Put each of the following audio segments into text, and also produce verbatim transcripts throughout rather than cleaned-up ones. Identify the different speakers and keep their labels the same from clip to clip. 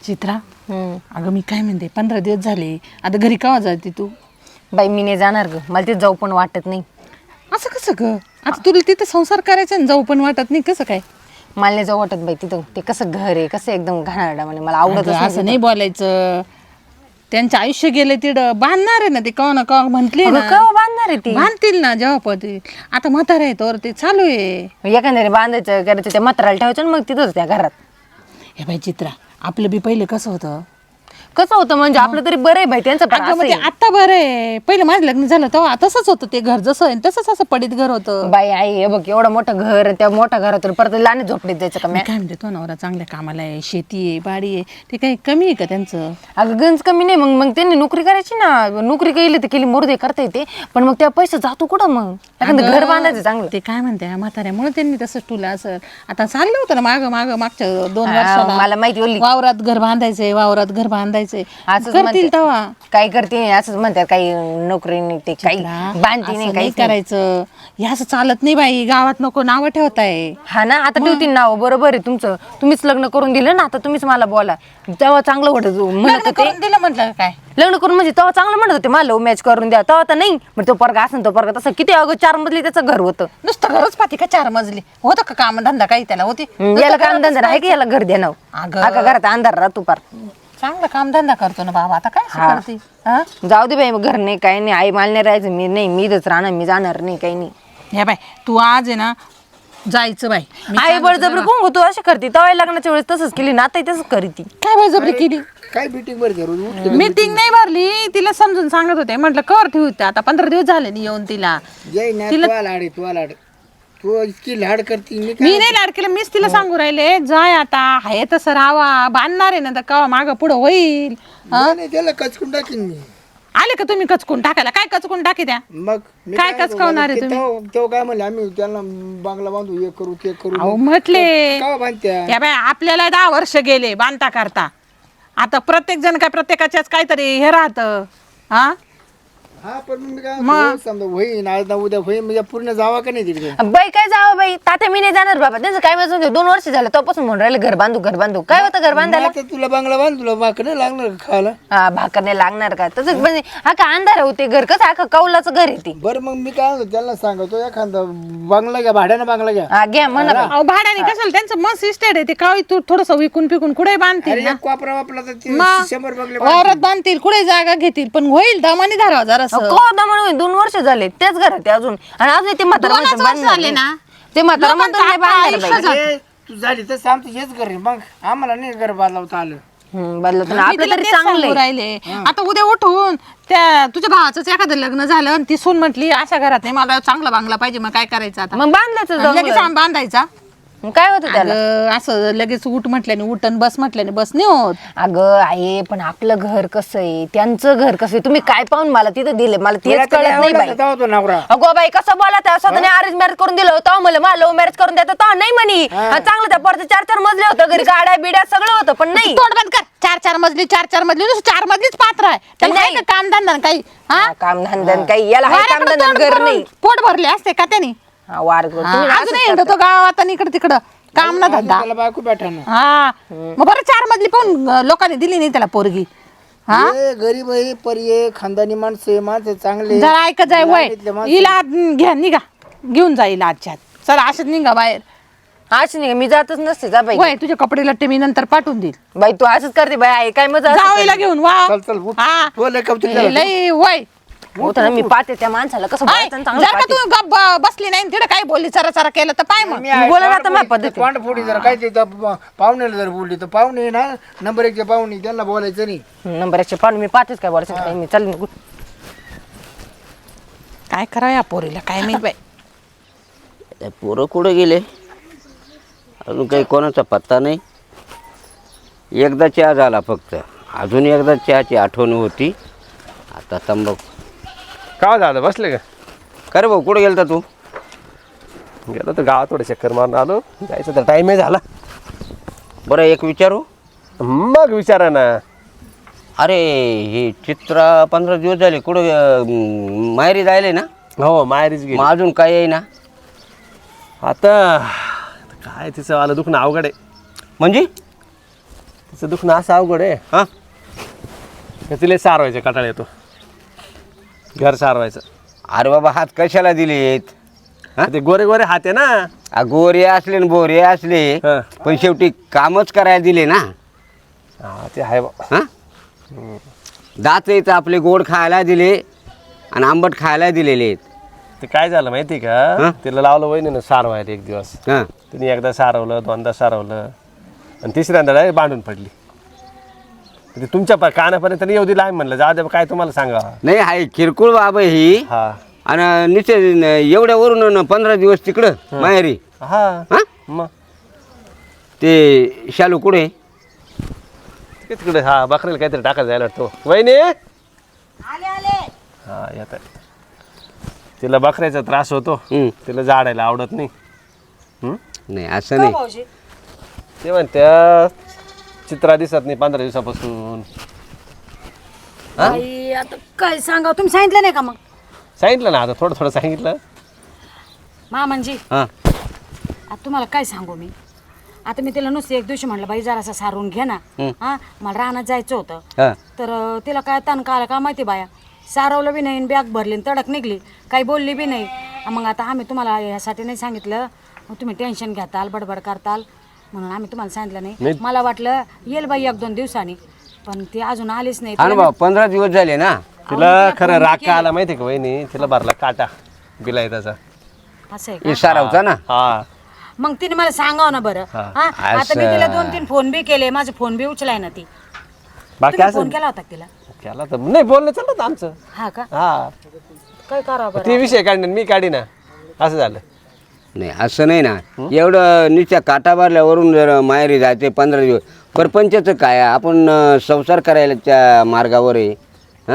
Speaker 1: चित्रा अगं मी काय म्हणते पंधरा दिवस झाले आता घरी केव्हा जाते तू?
Speaker 2: बाई मी नाही जाणार ग, मला तिथे जाऊ पण वाटत नाही.
Speaker 1: असं कसं ग? आता तुला तिथं संसार करायचा आणि जाऊ पण वाटत नाही कसं काय?
Speaker 2: मला नाही जाऊ वाटत बाई तिथं. ते कसं घर आहे, कसं एकदम घाणारडा म्हणे, मला आवडत
Speaker 1: अगं, असं नाही बोलायचं. त्यांचं आयुष्य गेले तिथं बांधणार आहे ना ते कवा ना कवा म्हंटले ना.
Speaker 2: केव्हा बांधणार आहे ती?
Speaker 1: बांधतील ना जेव्हा पती. आता म्हातारा आहे तर ते चालू आहे.
Speaker 2: एखाद्याने बांधायचं करायचं त्या म्हाताराला ठेवायचं आणि मग तिथंच त्या घरात.
Speaker 1: हे बाई चित्रा आपलं बी पहिले कसं होतं?
Speaker 2: कसं होतं म्हणजे आपलं तरी बरं आहे बाई, त्यांचं पण
Speaker 1: अगं, मग
Speaker 2: असं
Speaker 1: ते आता बरं आहे. पहिलं माझं लग्न झालं तेव्हा तसंच होतं ते घर, जसं आहे तसंच असं पडीत घर होतं.
Speaker 2: बाई आई हे बघ एवढं मोठं घर, त्या मोठ्या घरातून परत लहान झोपडीत जायचं का?
Speaker 1: मी काय म्हणते तो नवरा चांगल्या कामाला आहे, शेती आहे, बाडी आहे, ते काही कमी आहे का त्यांचं?
Speaker 2: अगं गंज कमी नाही, मग मग त्यांनी नोकरी करायची ना. नोकरी केली तर केली, मोरदे करता येते, पण मग त्या पैसे जातो कुठं? मग एखादं घर बांधायचं चांगलं.
Speaker 1: ते काय म्हणते म्हाताऱ्यामुळे त्यांनी तसं ठुलं असं. आता चाललं होतं ना माग माग मागच्या दोन
Speaker 2: हा,
Speaker 1: वर्षाला
Speaker 2: मला माहिती ओली.
Speaker 1: वावरात घर बांधायचंय, वावरात घर बांधायचंय,
Speaker 2: असंच
Speaker 1: करतील तेव्हा.
Speaker 2: काय करते असंच म्हणतात, काही नोकरी नाही, ते काही बांधते
Speaker 1: असं
Speaker 2: नाही,
Speaker 1: नाही
Speaker 2: काही
Speaker 1: करायचं. हे असं चालत नाही बाई, गावात नको नावं ठेवताय.
Speaker 2: हा ना, आता ठेवतील नाव. बरोबर आहे तुमचं, तुम्हीच लग्न करून दिलं ना, आता तुम्हीच मला बोला. तेव्हा चांगलं वाटत म्हणत
Speaker 1: लग्न
Speaker 2: होते.
Speaker 1: करून दिलं म्हटलं काय?
Speaker 2: लग्न करून म्हणजे तेव्हा चांगलं म्हणत होते मला, लव्ह मॅच करून द्या. तेव्हा तर नाही, मग तो पोरगा असं तो पोरगा तसं. किती अगं चार मजली त्याचं घर होतं.
Speaker 1: नुसतं घरच पाठी का चार मजली होतं का? काम धंदा काही त्याला होती?
Speaker 2: याला काम धंदा आहे की याला घर द्या नाव?
Speaker 1: अगं.
Speaker 2: अगं घरात अंधार राहतो पार.
Speaker 1: चांगलं काम धंदा करतो ना बाबा, आता काय
Speaker 2: हा.
Speaker 1: करते? हा?
Speaker 2: जाऊ दे बाई, मग घर नाही काही नाही. आई मला नाही राहायचं, मी नाही, मी इथंच राहणार, मी जाणार नाही काही नाही.
Speaker 1: हे बाय तू आज आहे ना जायचं बाई. मी
Speaker 2: आई
Speaker 1: चालत
Speaker 2: बळजबरी
Speaker 1: होते
Speaker 2: कोण होतो अशी करते? तेव्हा लग्नाच्या वेळेस तसंच केली ना, आता तसंच करी ती.
Speaker 1: ना. काय बळजबरी केली?
Speaker 3: काय मीटिंग भरते रोज उठले
Speaker 1: मीटिंग नाही भरली, तिला समजून सांगत होते. म्हटलं कवर ठेवते, आता पंधरा दिवस झाले नाही येऊन तिला.
Speaker 3: जय ना तू लाड आहे, तू लाड तू इतकी लाड करती. मी काय
Speaker 1: मी नाही लाड केलं, मीच तिला सांगू राहिले जाय आता आहे तसं राहावा. बांधणार आहे ना तर कवा मागं पुढं होईल.
Speaker 3: नाही, नाही, त्याला कचकून टाकीन मी.
Speaker 1: आले का तुम्ही कचकून टाकायला? काय कचकून टाकी द्या?
Speaker 3: मग मी
Speaker 1: काय
Speaker 3: म्हणतो,
Speaker 1: कचकावणार आहे
Speaker 3: ते तेव्हा तेव्हा काय म्हणले आम्ही त्यांना बांगला बांधू, हे करू ते करू.
Speaker 1: अहो म्हटले
Speaker 3: का बांधत्या?
Speaker 1: या बाय आपल्याला दहा वर्ष गेले बांधता करता. आता प्रत्येक जण काय प्रत्येकाच्याच काहीतरी हे राहतं. हा
Speaker 3: हा पण मी काय म्हणतो, समजा होईन आज ना उद्या होईन, म्हणजे पूर्ण जावा का नाही तिकडे?
Speaker 2: बाई काय जावं बाई, तात्या मी नाही जाणार बाबा. त्यांचं काय माहिती, दोन वर्ष झालं तेव्हापासून म्हणून राहिले घर बांधू घर बांधू. काय होतं घर बांधायला?
Speaker 3: आता तुला बांगला बांध, तुला भाकर नाही लागणार का खायला?
Speaker 2: हा भाकर नाही लागणार का? तसं म्हणजे हा का अंधार होते घर, कसं हा का कौलाचं घर येते.
Speaker 3: बरं मग मी काय म्हणतो त्यांना सांगतो एखादा बांगला घ्या, भाड्यानं बांगला घ्या.
Speaker 2: हा घ्या म्हणा बाई.
Speaker 1: अहो भाड्याने कशाला? त्यांचं मस्त इस्टेट आहे ते. काय तू थोडस विकून पिकून कुठे बांधतील
Speaker 3: अरे
Speaker 1: ना?
Speaker 3: एक वापरा वापला तर ते
Speaker 1: मग
Speaker 3: शंभर बंगले
Speaker 1: वावरात बांधतील, कुठे जागा घेतील, पण होईल दमानी धरावा जरासं.
Speaker 2: कोरडा म्हणून दोन वर्ष झाले त्याच घरात आहे अजून, आणि अजून ते म्हातारा
Speaker 1: दोनच
Speaker 2: म्हणतो
Speaker 1: वर्ष
Speaker 2: बांधणार
Speaker 1: झाले
Speaker 2: नाही.
Speaker 1: ना.
Speaker 2: ते म्हातारा म्हणतो
Speaker 1: लोकांचं
Speaker 2: नाही बांधणार
Speaker 1: आता
Speaker 2: बाई.
Speaker 1: आयुष्य
Speaker 3: अरे, तू झाली तर आमचं हेच कर रे. मग आम्हाला नाही घर बांधवता आलं.
Speaker 2: हम्म, बदलत ना
Speaker 1: मी
Speaker 2: आपलं
Speaker 1: तिला
Speaker 2: तरी
Speaker 1: तेच
Speaker 2: चांगलं
Speaker 1: सांगू
Speaker 2: आहे.
Speaker 1: राहिले. आता उद्या उठून त्या तुझ्या भावाचंच एखादं लग्न झालं आणि ती सून म्हटली अशा घरात नाही, मला चांगला बांगला पाहिजे, मग काय करायचं आता?
Speaker 2: मग बांधल्याचं
Speaker 1: आणि लगेच
Speaker 2: जाऊन
Speaker 1: आम्ही बांधायचा?
Speaker 2: मग काय होतं त्याला?
Speaker 1: अगं, असं लगेच उठ म्हटल्याने उठन, बस म्हटल्याने बस नाही होत.
Speaker 2: अगं आहे, पण आपलं घर कसं आहे, त्यांचं घर कसं आहे, तुम्ही काय पाहून मला तिथं दिले, मला तेच
Speaker 3: तुला
Speaker 2: कळत
Speaker 3: तरी
Speaker 2: नाही बाई.
Speaker 3: आवडला का तो नवरा?
Speaker 2: अगो बाई कसं बोला, त्या स्वतःने अरेंज मॅरेज करून दिलं होतं मला, मला लव्ह मॅरेज करून द्यायचं तो नाही म्हणी. हा, चांगलं त्या परत चार चार मजले होतं, घरी गाड्या बिड्या सगळं होतं, पण नाही.
Speaker 1: तोंड बंद कर. चार चार मजली चार चार मजली नुसतं चार मजलीच पात्र आहे. त्याला
Speaker 2: नाही.
Speaker 1: नाही का काम धंदा काही? हा
Speaker 2: काम धंदन काही याला हाय काम
Speaker 1: वाऱ्याकडं
Speaker 2: धंदन
Speaker 1: तोंड
Speaker 2: घर
Speaker 1: करून
Speaker 2: नाही.
Speaker 1: पोट भरले असते का त्याने?
Speaker 2: हा, वार करून. तुम्ही असंच
Speaker 1: अजूनही
Speaker 2: करता.
Speaker 1: येतो गावात आणि इकडे तिकडं काम ना धंदा.
Speaker 3: त्याला बायको भेटा ना.
Speaker 1: हा मग बरं चार मजली पण लोकांनी दिली नाही त्याला पोरगी. हा
Speaker 3: हे गरीब आहे, पर्ये खानदानी माणसं आहे, माणसं चांगले.
Speaker 1: जरा ऐकत जाय वय
Speaker 3: लाडीतले माणसं.
Speaker 1: हिला आत घ्या, निघा घेऊन जाईल आजच्यात. चला अशात निघा बाहेर.
Speaker 2: असं नाही मी जातच नसते जा बाई.
Speaker 1: वय तुझे कपडे लट्टे मी नंतर पाठवून देईल.
Speaker 2: बाई तू असंच करते बाई, आहे काय मजा
Speaker 1: जावईला घेऊन वा.
Speaker 3: चल चल उठ.
Speaker 1: हा
Speaker 3: तो लय कौतुक
Speaker 1: हे
Speaker 3: झालं.
Speaker 1: लय वय.
Speaker 2: होतं ना, मी पाहते त्या माणसाला कसं
Speaker 1: हाय,
Speaker 2: बोलायचं आणि चांगलं
Speaker 1: जर का
Speaker 2: पाहते.
Speaker 1: तू गप्प ब- बसली नाही तिकडे काय बोलली चरा चरा केलं तर पाय मग.
Speaker 3: मी आहे,
Speaker 2: बोला ना आता
Speaker 3: तोंड
Speaker 2: माझ्या
Speaker 3: फोडी-
Speaker 2: पद्धतीने.
Speaker 3: तोंड फोडी जरा काय ते त्या पा- पाहुण्याला जर बोलली तर पाहुणे ना नंबर एकचे पाहुणे, त्यांना बोलायचं नाही.
Speaker 2: नंबर एकशे पाहून मी पाहतेच काय बोलायचं काही मी चालेल निघून.
Speaker 1: काय करा या पोरीला काय माहित बाई.
Speaker 4: त्या पोरं कुठं गेले अजून काही कोणाचा पत्ता नाही. एकदा चहा झाला फक्त, अजून एकदा चहाची आठवण होती. आता तंबाखू.
Speaker 5: काय झालं बसले का?
Speaker 4: का रे भाऊ कुठं गेलता तू?
Speaker 5: गेलो तर गावात थोडं चक्कर मारून आलो, जायचं तर टाईमही झाला.
Speaker 4: बरं एक विचारू?
Speaker 5: मग विचारा ना.
Speaker 4: अरे हे चित्रा पंधरा दिवस झाले कुठं अं, माहेरी जायले ना?
Speaker 5: हो माहेरीच गेली.
Speaker 4: मग अजून काय आहे ना?
Speaker 5: आता काय तिचं आलं दुखणं अवघड आहे.
Speaker 4: म्हणजे
Speaker 5: तिचं दुखणं असं अवघड आहे
Speaker 4: हां
Speaker 5: का तिला सारवायचं कटाळा येतो घर सारवायचं.
Speaker 4: अरे बाबा हात कशाला दिलेत? हा?
Speaker 5: ते गोरे गोरे हात आहे ना.
Speaker 4: आ, गोरे असले न बोरे असले
Speaker 5: हा.
Speaker 4: पण शेवटी कामच करायला दिले ना.
Speaker 5: हा ते आहे बा.
Speaker 4: हा दात आहेत आपले, गोड खायला दिले आणि आंबट खायला दिलेले आहेत.
Speaker 5: ते काय झालं माहिती
Speaker 4: हा?
Speaker 5: का तिला लावलं वहिनीनं सारवायला एक दिवस.
Speaker 4: हा
Speaker 5: तिने एकदा सारवलं दोनदा सारवलं आणि तिसऱ्यांदा डायरेक्ट बांधून पडली. ते तुमच्या प- कानापर्यंत नाही येऊ दिला आम्ही म्हणलं जाऊ दे काय तुम्हाला सांगा.
Speaker 4: नाही आहे किरकोळ बाब आहे ही.
Speaker 5: हा
Speaker 4: आणि निश्चित एवढ्यावरून न पंधरा दिवस तिकडं माहेरी.
Speaker 5: हा
Speaker 4: हा
Speaker 5: मग
Speaker 4: ते शालू कुठे?
Speaker 5: ते तिकडे हा बकरीला काहीतरी टाकायला जायला वाटतो. वहिनी हा येत आहे. तिला बकऱ्याचा त्रास होतो.
Speaker 4: हं.
Speaker 5: तिला झाडायला आवडत नाही. हं?
Speaker 4: नाही असं नाही.
Speaker 5: ते म्हणत्या चित्रा दिसत नाही पंधरा दिवसापासून.
Speaker 6: आई आता काय सांगा तुम्ही सांगितलं नाही का मग
Speaker 5: सांगितलं ना आता थोडं थोडं सांगितलं.
Speaker 6: मामांजी
Speaker 4: हां
Speaker 6: आता तुम्हाला काय सांगू मी आता मी तिला नुसते एक दिवशी म्हटलं बाई जरासा सारून घे ना हा मला रानात जायचं होतं
Speaker 4: हां
Speaker 6: तर अं, तिला काय ताण का आला का माहिती बाया सारवलं बी नाही बॅग भरली आणि तडक निघली काही बोलली बी नाही. मग आता आम्ही तुम्हाला ह्यासाठी नाही सांगितलं मग तुम्ही टेन्शन घेताल बडबड करताल म्हणून आम्ही तुम्हाला सांगितलं नाही. मला वाटलं येईल बाई एक दोन दिवसांनी पण ती अजून आलीच नाही.
Speaker 4: अरे बाबा पंधरा दिवस झाले ना.
Speaker 5: तिला खरं राग का आला माहिती का वहिनी तिला भरला काटा बिलाय त्याचा.
Speaker 6: असं आहे
Speaker 4: हे सारावता ना.
Speaker 5: हा
Speaker 6: मग तिने मला सांगावं ना बरं
Speaker 5: हा.
Speaker 6: हा आता मी तिला दोन तीन फोन बी केले माझे फोन बी उचलाय ना ती.
Speaker 5: बाकी
Speaker 6: तुम्ही
Speaker 5: असं
Speaker 6: फोन केला होता का तिला
Speaker 5: केला तर नाही बोलणं चाललं होतं आमचं.
Speaker 6: हा का
Speaker 5: हा
Speaker 6: काय करावं बरं
Speaker 5: ती विषय काढणार मी काढी ना असं झालं.
Speaker 4: नाही असं नाही ना. एवढं निच्या काटा भरल्यावरून जर माहेरी जायचे पंधरा दिवस परपंचाचं काय आपण अं, संसार करायला त्या मार्गावर आहे. हां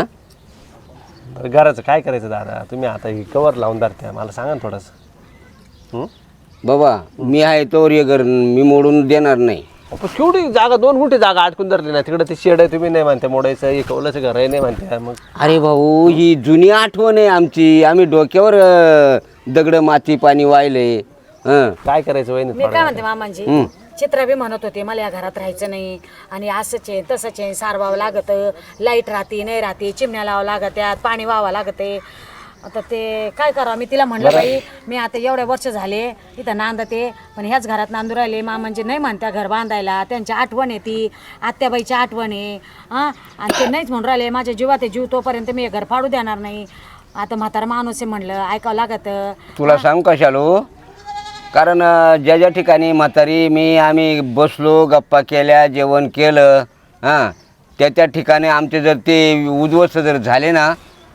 Speaker 5: बरं, घराचं काय करायचं दादा तुम्ही आता ही कवर लावून धरत्या मला सांगा ना थोडंसं.
Speaker 4: बाबा मी आहे तोवर ये घर मी मोडून देणार नाही.
Speaker 5: पण केवढी जागा दोन गुंठे जागा अडकून धरली ना तिकडे ते शेड आहे तुम्ही नाही म्हणते मोडायचं हे कौलाचं घर आहे नाही म्हणते. मग
Speaker 4: अरे भाऊ ही जुनी आठवण आहे आमची. आम्ही डोक्यावर अं, दगड माती पाणी वाहिले. हं
Speaker 5: काय करायचं वहिनी
Speaker 6: मी काय म्हणते मामांजी
Speaker 4: हं.
Speaker 6: चित्रा बी म्हणत होते मला या घरात राहायचं नाही आणि असंच आहे तसंच आहे सारवावं लागत लाईट राहते नाही राहते चिमण्या लावावं लागत्यात पाणी व्हावं लागते. आता ते काय करावं मी तिला म्हणलं बाई मी आता एवढ्या वर्ष झाले इथं नांदते पण ह्याच घरात नांदू राहिले मामांजी नाही म्हणत्या घर बांधायला त्यांची आठवण आहे ती आत्याबाईची आठवण आहे हां आणि ते नाहीच म्हणून राहिले माझ्या जीवात आहे जीव तोपर्यंत मी हे घर फाडू देणार नाही. आता म्हातारा माणूस आहे म्हणलं ऐकावं लागत.
Speaker 4: तुला सांगू का शालू कारण अं, ज्या ज्या ठिकाणी म्हातारी मी आम्ही बसलो गप्पा केल्या जेवण केलं हां त्या त्या ठिकाणी आमचे जर ते उद्ध्वस्त जर झाले ना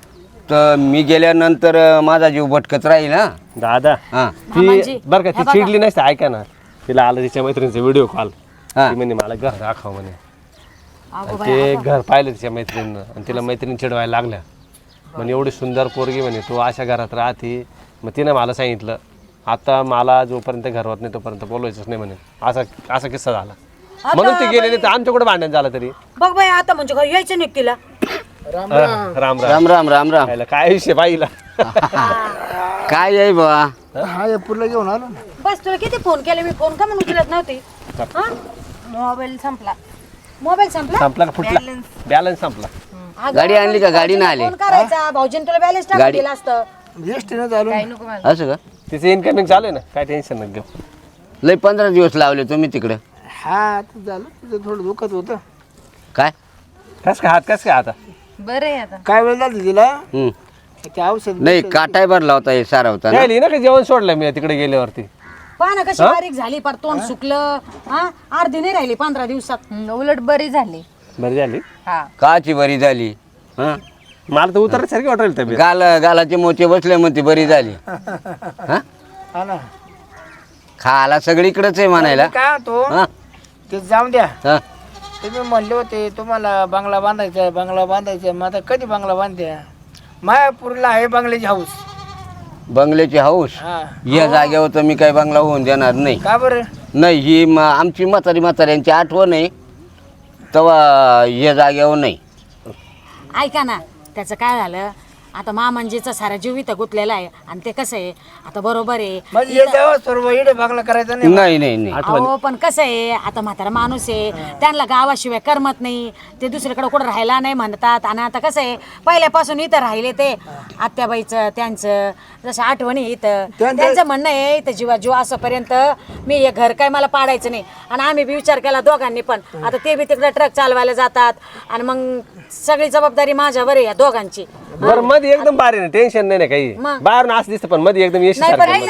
Speaker 4: तर मी गेल्यानंतर अं, माझा जीव भटकत राहील ना.
Speaker 5: दादा
Speaker 4: हां
Speaker 6: मामांजी,
Speaker 5: ती बरं का ती चिडली नसते ऐका ना तिला आलं तिच्या मैत्रिणीचा व्हिडिओ कॉल.
Speaker 4: हा.
Speaker 5: ती म्हणे मला घर दाखव म्हणे.
Speaker 6: अगो
Speaker 5: आणि ते घर पाहिलं तिच्या मैत्रिणीनं आणि तिला मैत्रिणी चिडवायला लागल्या म्हणे एवढी सुंदर पोरगी म्हणे तू अशा घरात राहते. मग तिनं मला सांगितलं आता मला जोपर्यंत घर होत नाही तोपर्यंत बोलवायचंच नाही म्हणे. असा असा किस्सा झाला म्हणून ते गेलेले तर आमच्याकडे भांडण झालं तरी.
Speaker 6: बघ बाई आता म्हणजे घर यायचं नाही का तिला
Speaker 3: राम
Speaker 5: हा,
Speaker 3: राम.
Speaker 5: राम राम
Speaker 4: राम राम राम राम.
Speaker 5: खायला काय विषय पाहिला.
Speaker 4: काय आहे बाबा?
Speaker 3: हा हे पुरला घेऊन आलो ना.
Speaker 6: बस तुला किती फोन केले मी फोन का म्हणून उचलत नव्हती हा मोबाईल संपला मोबाईल संपला
Speaker 5: संपला का फुटला बॅलन्स संपला.
Speaker 6: अगं,
Speaker 4: गाडी आणली का? गाडी नाही आली?
Speaker 6: फोन करायचा भाऊजीने तुला बॅलन्स टाकून
Speaker 4: गाडी-
Speaker 6: दिला असतं.
Speaker 3: एसटीनं झालो
Speaker 4: असं का?
Speaker 5: तिचं इन्कमिंग चालू आहे ना काय टेन्शन नका घेऊ.
Speaker 4: लय पंधरा दिवस लावले तुम्ही तिकडं.
Speaker 3: हा ते झालं तिथं थोडं दुखत होतं.
Speaker 4: काय
Speaker 5: कस काय हात कस काय आता
Speaker 3: काय वेळ झाली तिला
Speaker 4: हं.
Speaker 3: ते औषध
Speaker 4: नाही काटाय भरला होता हे सारावता ना.
Speaker 5: राहिली ना का जेवण सोडलं मी तिकडे गेल्यावरती.
Speaker 6: पहा ना कशी बारीक झाली पर तोंड सुकलं हा अर्धी नाही राहिली पंधरा दिवसात
Speaker 2: उलट बरी झाली.
Speaker 5: बरी झाली
Speaker 4: काची बरी झाली. हं?
Speaker 5: मला तर उतरल्यासारखी वाटेल तब्येत.
Speaker 4: गाल गालाचे मोचे बसले म्हणते बरी झाली. हं?
Speaker 3: हा ना
Speaker 4: खाला सगळीकडेच आहे म्हणायला.
Speaker 3: काय तो
Speaker 4: हं?
Speaker 3: ते जाऊन द्या.
Speaker 4: हं?
Speaker 3: तुम्ही म्हणले होते तुम्हाला बंगला बांधायचा आहे बंगला बांधायचा आहे. मग आता कधी बंगला बांधत्या? मायापूरला आहे बंगल्याची हाऊस.
Speaker 4: बंगल्याची हाऊस
Speaker 3: हा
Speaker 4: या जागेवर तर मी काही बंगला होऊन देणार नाही.
Speaker 3: का बरं?
Speaker 4: नाही ही म- आमची म्हातारी म्हाताऱ्यांची आठवण आहे तेव्हा या जागेवर नाही.
Speaker 6: ऐका ना त्याचं काय झालं आता मामांजीचा सारा जीव इथं गुतलेला आहे आणि ते कसं आहे आता बरोबर आहे
Speaker 3: म्हणजे हे जावं सर्व इकडे बंगला करायचा नाही
Speaker 4: नाही नाही नाही
Speaker 6: अहो पण कसं आहे आता म्हातारा माणूस आहे त्यांना गावाशिवाय करमत नाही ते दुसरीकडे कुठं राहायला नाही म्हणतात आणि आता कसं आहे पहिल्यापासून इथं राहिले ते आत्याबाईचं त्यांचं जसं आठवणी इथं त्यांचं म्हणणं आहे इथं जीवा जीव असोपर्यंत मी हे घर काय मला पाडायचं नाही आणि आम्ही बी विचार केला दोघांनी पण आता ते बी तिकडे ट्रक चालवायला जातात आणि मग सगळी जबाबदारी माझ्यावर आहे या दोघांची
Speaker 5: बरं मध्ये एकदम बारी नाही टेन्शन नाही ना काही बाहेरून असं दिसतं पण मध्ये एकदम यश
Speaker 2: नाही पण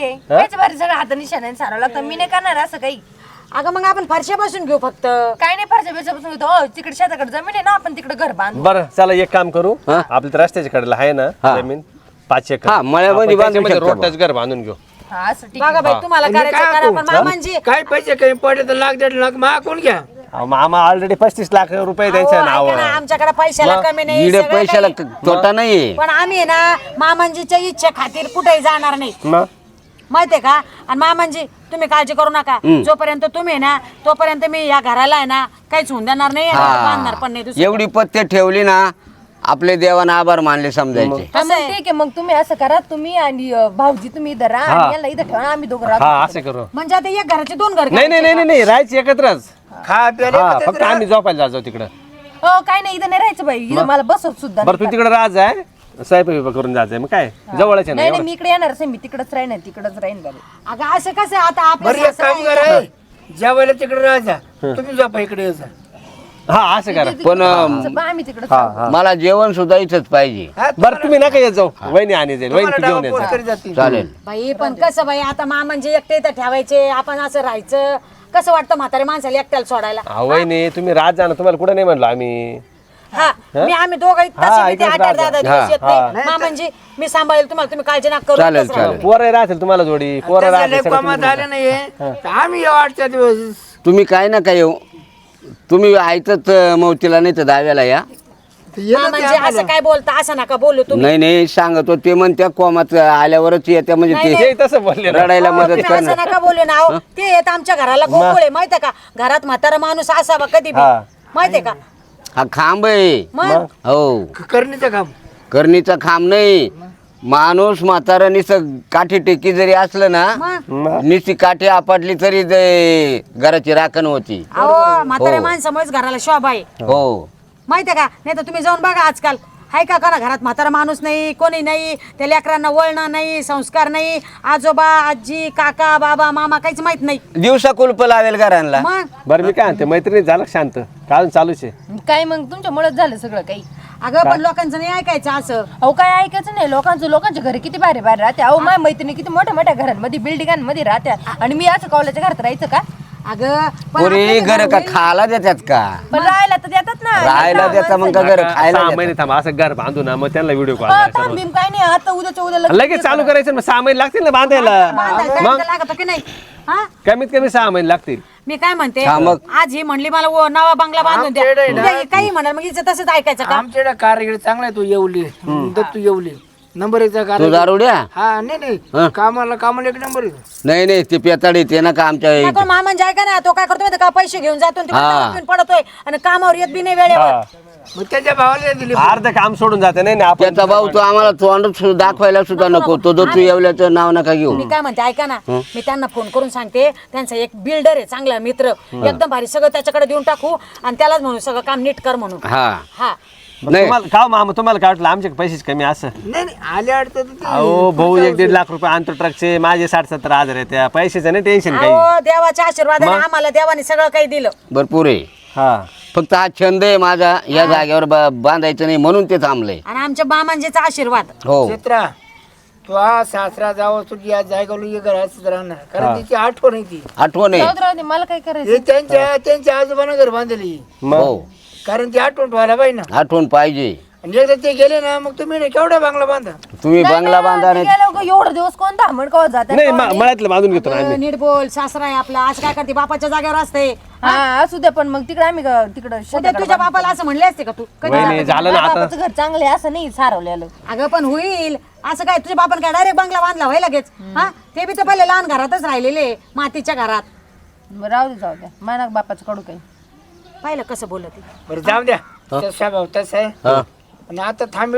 Speaker 2: सगळं हात निशाने सारावं लागतं मी नाही करणार असं काही
Speaker 6: अगं मग आपण फरशा बसून घेऊ फक्त
Speaker 2: काय नाही फारशा बेचापासून घेतो हो तिकडे शेताकडे जमीन आहे ना आपण तिकडे घर बांधू
Speaker 5: बरं चला एक काम करू आपल्या तर रस्त्याच्या कडेला आहे ना जमीन पाच एकर
Speaker 4: हा, मळ्यामध्ये
Speaker 5: आपण
Speaker 4: बांधू
Speaker 5: त्याच्यामध्ये
Speaker 4: शकतो
Speaker 5: रोड टच घर बांधून घेऊ
Speaker 2: हा असं ठीक
Speaker 6: बघा बाई तुम्हाला
Speaker 3: आणि
Speaker 6: करायचं
Speaker 3: काय
Speaker 6: करा
Speaker 3: करू?
Speaker 6: पण मामांजी
Speaker 3: काय पैसे कमी पडले तर लाख दीड लाख मा कोण घ्या
Speaker 5: अहो, मामा ऑलरेडी पस्तीस लाख रुपये त्यांच्या नाव
Speaker 6: आमच्याकडे पैशाला कमी नाही
Speaker 4: इडे
Speaker 6: सगळं
Speaker 4: पैशाला
Speaker 6: काही.
Speaker 4: तोटा नाहीये
Speaker 6: पण आम्ही आहे ना मामांजीच्या इच्छा खातीर कुठेही जाणार नाही माहितीये का आणि मामांजी तुम्ही काळजी करू नका जोपर्यंत तुम्ही आहे ना तोपर्यंत मी या घराला आहे ना काहीच होऊन देणार नाही आणि बांधणार पण नाही दुसरं.
Speaker 4: एवढी पत्ते ठेवली ना आपले देवानं आभार मानले समजायचे
Speaker 2: हा, मग ठीक आहे मग तुम्ही असं करा तुम्ही आणि अं, भाऊजी तुम्ही इथं राहा आणि याला इथं ठेवा आम्ही दोघं राहतो
Speaker 5: हा असं करू
Speaker 6: म्हणजे आता एक घराचे दोन घर
Speaker 5: नाही नाही नाही नाही, नाही राहायची एकत्रच
Speaker 3: खा प्याले
Speaker 5: हा फक्त आम्ही झोपायला जाऊ तिकडं
Speaker 2: हो काय नाही इथं नाही राहायचं बाई इथं मला बसत सुद्धा
Speaker 5: बरं तू तिकडे राहायचं आहे स्वयंपाक बिपाक करून जायचंय मग काय जवळच आहे ना
Speaker 2: नाही नाही मी इकडे येणारच आहे मी तिकडेच राहीन तिकडेच राहीन बाई
Speaker 6: अगं असं कसं आता
Speaker 3: बरं
Speaker 6: आपल्या
Speaker 3: एक काम करा जेवायला तिकडे राहायचा तुम्ही झोपा इकडे यायचा
Speaker 5: हा असं करा
Speaker 4: पण
Speaker 2: आमचं बा आम्ही तिकडे
Speaker 4: मला जेवण सुद्धा इथंच पाहिजे
Speaker 3: हा,
Speaker 5: बरं तुम्ही नका येत जाऊ वहिनी आणि जाईल वहिनी
Speaker 3: तुम्हाला
Speaker 5: तू घेऊन
Speaker 3: डाव
Speaker 5: येत
Speaker 3: पोट करी जातील.
Speaker 4: चालेल
Speaker 6: बाई पण कसं बाई आता मामांजी एकटे इथं ठेवायचे आपण असं राहायचं कसं वाटतं म्हातारे माणसाला एकट्याला सोडायला
Speaker 5: हा वहिनी तुम्ही रात जा ना तुम्हाला कुठं नाही म्हणलो आम्ही
Speaker 6: हा मी आम्ही दोघं
Speaker 5: हा,
Speaker 6: तसे
Speaker 5: इकडेच
Speaker 6: आठ आठ दहा दहा दिवस येत
Speaker 5: हा.
Speaker 6: नाही मामांजी मी सांभाळेल तुम्हाला तुम्ही काळजी नका करू
Speaker 4: चालेल
Speaker 6: इथंच राहा.
Speaker 4: चालेल
Speaker 5: पोरं राहतील तुम्हाला जोडी पोरं
Speaker 3: त्याचं
Speaker 5: राहतील
Speaker 3: लय
Speaker 5: सगळं
Speaker 3: कामात
Speaker 5: तुम्ही
Speaker 3: आले नाहीये तर आम्ही येऊ आठच्या दिवस
Speaker 4: तुम्ही काय ना काय येऊ तुम्ही ऐकत मौतीला नाही तर दाव्याला या
Speaker 6: मामांजी असं काय बोलता असं नका बोलू तुम्ही
Speaker 4: नाही नाही सांगतो ते म्हणत्या कोमात आल्यावरच येत्या म्हणजे
Speaker 5: ते
Speaker 4: ते
Speaker 5: तसं बोलले ना.
Speaker 4: रडायला मदत
Speaker 6: तुम्ही असं
Speaker 4: करणार
Speaker 6: नका बोलू ना अहो. ते येत आमच्या घराला गोकुळ आहे माहितीये का घरात म्हातारा माणूस असावा कधी बी
Speaker 5: हा.
Speaker 6: माहितीये का
Speaker 4: हा खांब आहे
Speaker 6: मग
Speaker 4: हो
Speaker 3: करणीचं काम
Speaker 4: करणीचा खांब नाही माणूस म्हातारा निसं काठी टेकी जरी असलं ना
Speaker 6: मग
Speaker 4: निस्ती काठी आपटली तरी ते घराची राखण होती
Speaker 6: अहो म्हाताऱ्या
Speaker 4: हो.
Speaker 6: माणसामुळेच घराला शोभा आहे
Speaker 4: हो
Speaker 6: माहितीये का नाही तर तुम्ही जाऊन बघा आजकाल हाय का करा घरात म्हातारा माणूस नाही कोणी नाही त्या लेकरांना वळणं नाही संस्कार नाही आजोबा आजी काका बाबा मामा काहीच माहित नाही
Speaker 4: दिवसा कुलप लावेल घरांना
Speaker 6: मग
Speaker 5: बरं मी काय म्हणते मैत्रिणी झालं का शांत काल चालूच आहे
Speaker 2: काय मग तुमच्यामुळेच झालं सगळं काही
Speaker 6: अगं पण लोकांचं नाही ऐकायचं असं
Speaker 2: अहो काय ऐकायचं नाही लोकांचं लोकांच्या घरी किती भारी भारी राहते अहो माझ्या मैत्रिणी किती मोठ्या मोठ्या घरांमध्ये बिल्डिंगांमध्ये राहत्या आणि मी असं कॉलेजच्या घरात राहायचं का
Speaker 6: अगं पण
Speaker 4: पुरी
Speaker 6: आपल्याचं
Speaker 4: घर
Speaker 6: घर
Speaker 4: का
Speaker 6: होईल.
Speaker 4: खायला देतात का
Speaker 2: पण राहायला तर देतात ना
Speaker 4: राहायला देता मग का घर खायला
Speaker 5: सहा
Speaker 4: देतात?
Speaker 5: महिने थांबा असं घर बांधू ना मग त्यांना व्हिडिओ कॉल
Speaker 2: हो,
Speaker 5: करायचा
Speaker 2: थांब
Speaker 5: रोज.
Speaker 2: बिम काय नाही आता उद्याच्या उद्या लगेच
Speaker 5: लगेच चालू करायचं ना, मग सहा महिने लागतील ना बांधायला
Speaker 6: बांधायला time
Speaker 5: मग
Speaker 6: तर लागतं की नाही हा
Speaker 5: कमीत कमी सहा महिने लागतील
Speaker 6: मी काय म्हणते
Speaker 4: हा, मग.
Speaker 6: आज ही म्हणली मला वो नवा बंगला बांधून द्या
Speaker 3: आमच्याकडे ना-
Speaker 6: उद्या ही काही म्हणाल मग हिचं तसंच ऐकायचं का
Speaker 3: आमच्याकडे कारगिरी चांगला आहे तू येवली दत्तू येवली नंबर एकचा
Speaker 4: तू
Speaker 3: कार
Speaker 4: दारुड्या
Speaker 3: हा नाही
Speaker 4: हा.
Speaker 3: नाही कामाला कामाला एक नंबर आहे
Speaker 4: नाही नाही ते पेताड येते ना का आमच्या
Speaker 6: काय
Speaker 4: इथे.
Speaker 6: कोण मामांजी ऐका ना तो काय करतो माहिती का पैसे घेऊन जातो आणि तिकडे
Speaker 4: हा.
Speaker 6: दारू पिऊन पडतोय आणि कामावर येत बी नाही वेळेवर
Speaker 3: मग त्याच्या भावाला दिली
Speaker 5: अर्ध काम सोडून जाते नाही ना आपण
Speaker 4: त्याचा भाऊ तो आम्हाला तोंड सु- दाखवायला सुद्धा नको तो जो तू येवल्याचं नाव नका घेऊ
Speaker 6: मी काय म्हणते ऐका ना मी त्यांना फोन करून सांगते त्यांचा एक बिल्डर आहे चांगला मित्र एकदम भारी सगळं त्याच्याकडे देऊन टाकू आणि त्यालाच म्हणू सगळं काम नीट कर म्हणून
Speaker 4: हा
Speaker 6: हा
Speaker 5: मग
Speaker 4: नाही.
Speaker 5: तुम्हाला का मामा तुम्हाला काय वाटलं आमचे पैसेच कमी असं
Speaker 3: नाही नाही आले अडचण तर ते-
Speaker 5: अहो भाऊ एक दीड लाख रुपये आणतो ट्रकचे माझे साठ सत्तर हजार आहे त्या पैशाचं नाही टेन्शन काही
Speaker 6: अहो देवाच्या आशीर्वादाने आम्हाला देवाने सगळं काही दिलं
Speaker 4: भरपूर आहे
Speaker 5: हा
Speaker 4: फक्त हा छंद आहे माझा या जागेवर बा- बांधायचं नाही म्हणून ते थांबलंय
Speaker 6: आणि आमच्या मामांजीचा आशीर्वाद
Speaker 4: हो
Speaker 3: चित्रा तू हा सासरा जावं तुझी या जायगावलं ये घरात राहणार कारण तिची आठवण आहे ती
Speaker 4: आठवण
Speaker 2: जाऊ
Speaker 4: आहे
Speaker 2: दे, राहू दे, मला काय करायचं
Speaker 3: हे त्यांच्या त्यांच्या आजोबानं घर बांधली
Speaker 5: मग
Speaker 4: हो
Speaker 3: कारण ती आठवण व्हायला पाहिजे ना
Speaker 4: आठवण पाहिजे
Speaker 3: आणि एकदा ते गेले ना मग तुम्ही नाही केवढा बांगला बांधा
Speaker 4: तुम्ही बंगला बांधा नाही
Speaker 2: गेलो का एवढं दिवस कोण धामण कवा जात
Speaker 5: नाही म- मळ्यातलं बांधून घेतो ना आम्ही
Speaker 6: नीट बोल सासरा आहे आपला आज काय करते बापाच्या जागेवर असते
Speaker 2: हा असू द्या पण मग तिकडे आम्ही तिकडे
Speaker 6: उद्या तुझ्या बापाला असं म्हणले असते का तू कधी
Speaker 5: वहिनी झालं ना आता
Speaker 2: बापाचं घर चांगलं आहे असं नाही सारवलेलं
Speaker 6: अगं पण होईल असं काय तुझ्या बापान काय डायरेक्ट बंगला बांधला व्हाय लगेच हा ते बी तर पहिले लहान घरातच राहिलेले मातीच्या घरात
Speaker 2: बरं, राहू दे जाऊ द्या माना बापाचं कडू काही
Speaker 6: पाहिलं कसं बोलत आहे.
Speaker 3: बरं जाऊ द्या तसा भाऊ तसा आहे
Speaker 4: हा.
Speaker 3: आणि आता थांबिड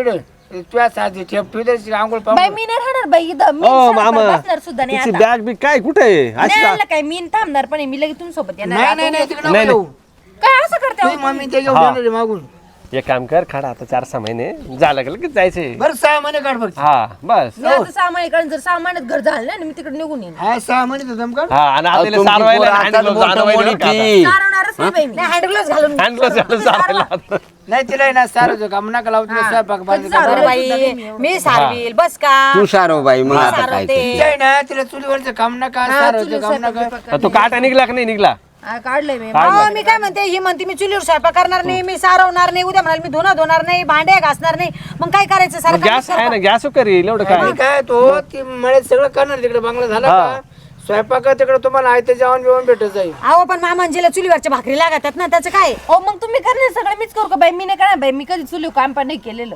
Speaker 3: तुझ्या साधी ठेप ठेवते आंघोळ
Speaker 2: बाई
Speaker 3: पाहून
Speaker 2: मी नाही राहणार बाई इथं मी
Speaker 5: ओ
Speaker 2: शाळेत
Speaker 5: मामा
Speaker 2: बसणार सुद्धा नाही
Speaker 5: तिची
Speaker 2: आता.
Speaker 5: बॅग बी काय कुठे आहे अशी
Speaker 2: नाही
Speaker 5: का?
Speaker 2: आणलं काय मी थांबणार पण आहे. मी लगेच तुमच्या सोबत येणार
Speaker 3: नाही
Speaker 2: आहे.
Speaker 3: नाही नाही तिकडे
Speaker 5: नाही,
Speaker 3: नको येऊ.
Speaker 2: काय असं करते
Speaker 3: तुझी
Speaker 2: अहो
Speaker 3: मम्मी ते घेऊन
Speaker 5: हा.
Speaker 3: येणार आहे मागून
Speaker 5: एक काम कर खाडा आता चार सहा महिने झालं का लगेच जायचंय
Speaker 3: बरं सहा महिने काढ फक्त
Speaker 5: हा बस
Speaker 2: मी आता सहा महिन्याकडे जर सहा महिन्यात घर झालं ना मी तिकडे निघून येईन
Speaker 3: हा सहा महिने दम काढ
Speaker 5: हा आणि
Speaker 4: अहो,
Speaker 5: आता तिला
Speaker 4: तुमची
Speaker 5: सारवायला
Speaker 4: पोरं
Speaker 5: hand
Speaker 4: आताच
Speaker 5: gloves
Speaker 4: मोठं
Speaker 5: आणवायला
Speaker 4: मोठी
Speaker 5: बरं का आता.
Speaker 4: ती.
Speaker 2: चालवणारच नाही बाई मी
Speaker 6: हँड ग्लोव्स घालून
Speaker 5: Hand gloves घालून सारवायला आता.
Speaker 3: नाही तिला आहे ना सारं काम नका लावू तिला स्वयंपाक बांधू
Speaker 2: कधी सारवलं?
Speaker 6: बरं बाई मी सारवील बस का
Speaker 4: तू सारव बाई मग आता काय
Speaker 6: सारवते.
Speaker 4: ते.
Speaker 3: तिला आहे ना तिला चुलीवरचं काम नका सारवचं काम नका
Speaker 5: तो काटा निघला का नाही निघला
Speaker 2: हा, काढलंय मी
Speaker 6: अहो, मी काय म्हणते ही म्हणते मी चुलीवर स्वयंपाक करणार नाही मी सारवणार नाही उद्या म्हणाल मी धुणं धुणार नाही भांडे घासणार नाही मग काय करायचं सारं काम
Speaker 5: गॅस आहे ना गॅस करील एवढं काय
Speaker 3: आणि काय तो ती मळ्यात सगळं करणार तिकडे बंगला झाला का स्वयंपाक तिकडे तुम्हाला आयते जेवण बिवण भेटत जाईल
Speaker 6: अहो पण मामांजीला चुलीवरच्या भाकरी लागतात ना त्याचं काय
Speaker 2: हो मग तुम्ही करणार सगळं मीच करू का बाई मी नाही करणार बाई मी कधी चुली काम पण नाही केलेलं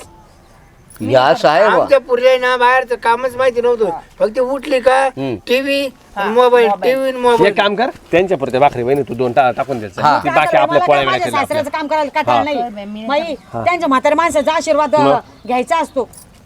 Speaker 4: या साहेब
Speaker 3: आमच्या पुढे ना बाहेरचं कामच माहिती नव्हतं फक्त उठली का टीव्ही मोबाईल टीव्ही मोबाईल
Speaker 5: एक काम कर त्यांच्या पुरते भाकरी बहिणी तू दोन टा- टाकून द्यायचं
Speaker 4: हा.
Speaker 5: ती बाकी आपल्या
Speaker 6: मला
Speaker 5: पोळ्या
Speaker 6: काय माझ्या
Speaker 5: वेळा
Speaker 6: सासऱ्याचं काम करायला कटाळ नाही बाई त्यांच्या म्हाताऱ्या माणसाचा आशीर्वाद घ्यायचा असतो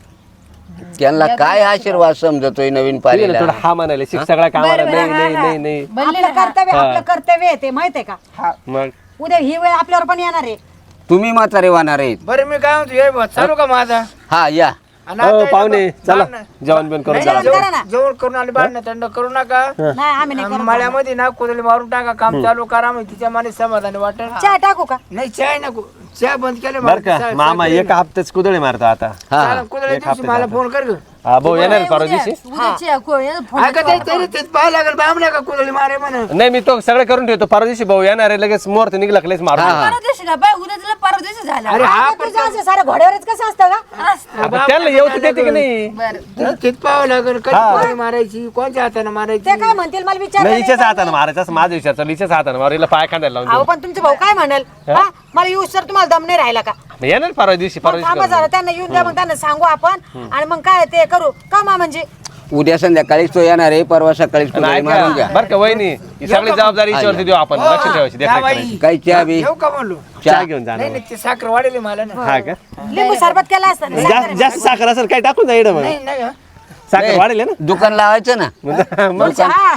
Speaker 4: त्यांना काय आशीर्वाद समजतोय नवीन
Speaker 5: थोडं
Speaker 4: पाहिलेला
Speaker 5: हा म्हणाले शिक सगळ्या कामाला नाही नाही नाही नाही
Speaker 6: आपलं कर्तव्य आपलं कर्तव्य आहे ते माहित आहे का
Speaker 5: मग
Speaker 6: उद्या ही वेळ आपल्यावर पण येणार आहे
Speaker 4: तुम्ही म्हातारे वाहणार आहेत
Speaker 3: बरं मी काय म्हणतो हे बघ, चालू का माझा
Speaker 4: हा या
Speaker 3: आणि
Speaker 5: हो
Speaker 3: आता
Speaker 5: पाहुणे
Speaker 3: हे बघ,
Speaker 5: चला
Speaker 3: बाण-
Speaker 5: जेवण बिवण करून
Speaker 3: नाही,
Speaker 5: चला
Speaker 6: जेवण करा ना.
Speaker 3: जेवण जेवण करून आले बाहेर थंड करू नका
Speaker 6: नाही आम्ही नाही करत.
Speaker 3: मळ्यामध्ये ना कुदली मारून टाका काम चालू करा मग तिच्या माने समाधानी वाटेल
Speaker 6: चहा टाकू का
Speaker 3: नाही चाय नको चहा बंद केले
Speaker 5: बर का मामा एका हप्त्याच कुदळे मारतो आता
Speaker 4: हा
Speaker 3: कुदळ्या दिवशी मला फोन कर ग
Speaker 5: हा भाऊ येणार आहे परवा दिवशी
Speaker 2: उद्याची आहे, को- या फोन-
Speaker 3: ऐका ते तरी तेच पाहावं लागेल बाम नका कुदळी मारे म्हणा
Speaker 5: नाही मी तो सगळं करून ठेवतो परवा दिवशी भाऊ येणार आहे लगेच मुहूर्त निघला की लगेच मारून
Speaker 2: परवा दिवशी का बाई उद्या तुला परवा दिवशी झालं
Speaker 3: अरे हा
Speaker 6: आता तुझं असं सारं घोड्यावरच कसं असतं का
Speaker 5: आता त्यांना येऊ तर देते की नाही
Speaker 3: तेच पाहावं लागेल कधी कुदळी मारायची कोणत्या हाताने मारायची
Speaker 6: ते काय म्हणतील मला विचार
Speaker 5: नाही हिच्याच हाताने मारायचं असं माझा विचार चालू हिच्याच हाताने मारू हिला पाय खांद्याला लावून
Speaker 6: अहो
Speaker 5: देऊ.
Speaker 6: पण तुमचे भाऊ काय म्हणाल हा मला येऊ सर तुम्हाला दम नाही राहिला का
Speaker 5: मग येणार परवा दिवशी परवा
Speaker 6: मग
Speaker 5: दिवशी
Speaker 6: थांबा जरा त्यांना येऊन द्या मग त्यांना सांगू आपण आणि मग काय ते करू का मा म्हणजे
Speaker 4: उद्या संध्याकाळीच तो येणार आहे परवा सकाळीच कुदळी मारून घ्या
Speaker 5: बर का वहिनी ही सगळी जबाबदारी हिच्यावरती देऊ आपण लक्ष ठेवायची
Speaker 3: जा
Speaker 5: देखरेख
Speaker 3: बाई.
Speaker 5: करायची.
Speaker 4: काही चहा बी
Speaker 3: येऊ का म्हणलो
Speaker 5: चहा घेऊन जाणार
Speaker 3: नाही नाही ते साखर वाढेल मला ना
Speaker 5: हा का
Speaker 6: लिंबू सरबत केला असता ना.
Speaker 5: जास्त जास्त साखर असेल काय टाकून जा इकडं मग
Speaker 3: नाही नाही का?
Speaker 5: साखर वाढेल ना
Speaker 4: दुकान लावायचं ना
Speaker 5: मग
Speaker 6: चहा.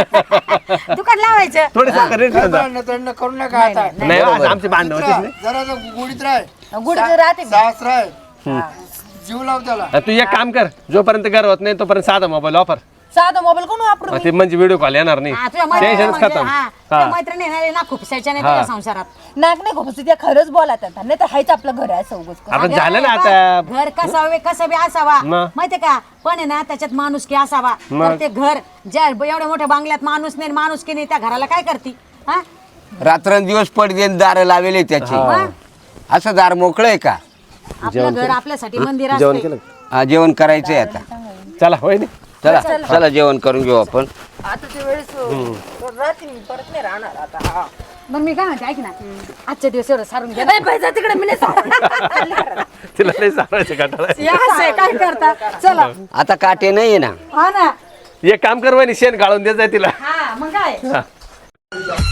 Speaker 6: दुकान लावायचं
Speaker 5: थोडी साखर रेट घेऊन जा.
Speaker 3: थंड थंड करू नका आता
Speaker 5: नाही आज आमचे भांडण होतेच नाही
Speaker 3: जरा जरा गुढीत राह
Speaker 2: गुडघे राहते मी.
Speaker 3: सास राह जीव लाव त्याला
Speaker 5: आता तू एक काम कर जोपर्यंत घर होत नाही तोपर्यंत साधा मोबाईल ऑफर
Speaker 2: साधा मोबाईल कोण वापरू
Speaker 5: ते म्हणजे व्हिडिओ कॉल येणार नाही
Speaker 6: हा, तुझ्या मैत्रिणी
Speaker 5: टेन्शनच
Speaker 6: म्हणजे,
Speaker 5: खतम
Speaker 6: हा, तुझ्या मैत्रिणी येणार आहे ना खुपसायच्या नाही तुझ्या संसारात
Speaker 2: नाक नाही खोपस त्या खरंच बोलात आता नाही तर हायच आपलं घर आहे सौगच
Speaker 5: आता झालं ना आता
Speaker 6: घर कसावे कसं बी असावा
Speaker 5: मग?
Speaker 6: माहितीये का पण आहे ना त्याच्यात माणूस की असावा तर ते घर ज्या एवढ्या मोठ्या बांगल्यात माणूस नाही माणूस की नाही त्या घराला काय करती हा
Speaker 4: रात्रंदिवस पडदे दार लावेले त्याची असं दार मोकळं आहे का
Speaker 6: आपलं घर आपल्यासाठी मंदिर
Speaker 5: जेवण
Speaker 6: असते
Speaker 5: केलं
Speaker 4: हा, जेवण करायचंय आता
Speaker 5: चला होय नाही
Speaker 4: चला चला जेवण करून घेऊ आपण
Speaker 2: आता ते वेळेस राहते मी परत नाही राहणार आता हा.
Speaker 6: मग मी काय म्हणते ऐक ना आजच्या दिवस एवढं सारून घ्या
Speaker 2: ए, बाई, जा तिकडे मी नाही सांगणार.
Speaker 5: तिला लय सांगायचं कंटाळा
Speaker 6: या असं आहे, काय करता चला
Speaker 4: आता काटे नाहीये ना
Speaker 6: हा ना
Speaker 5: एक काम कर वहिनी शेण गाळून देत जाय तिला
Speaker 6: हा मग काय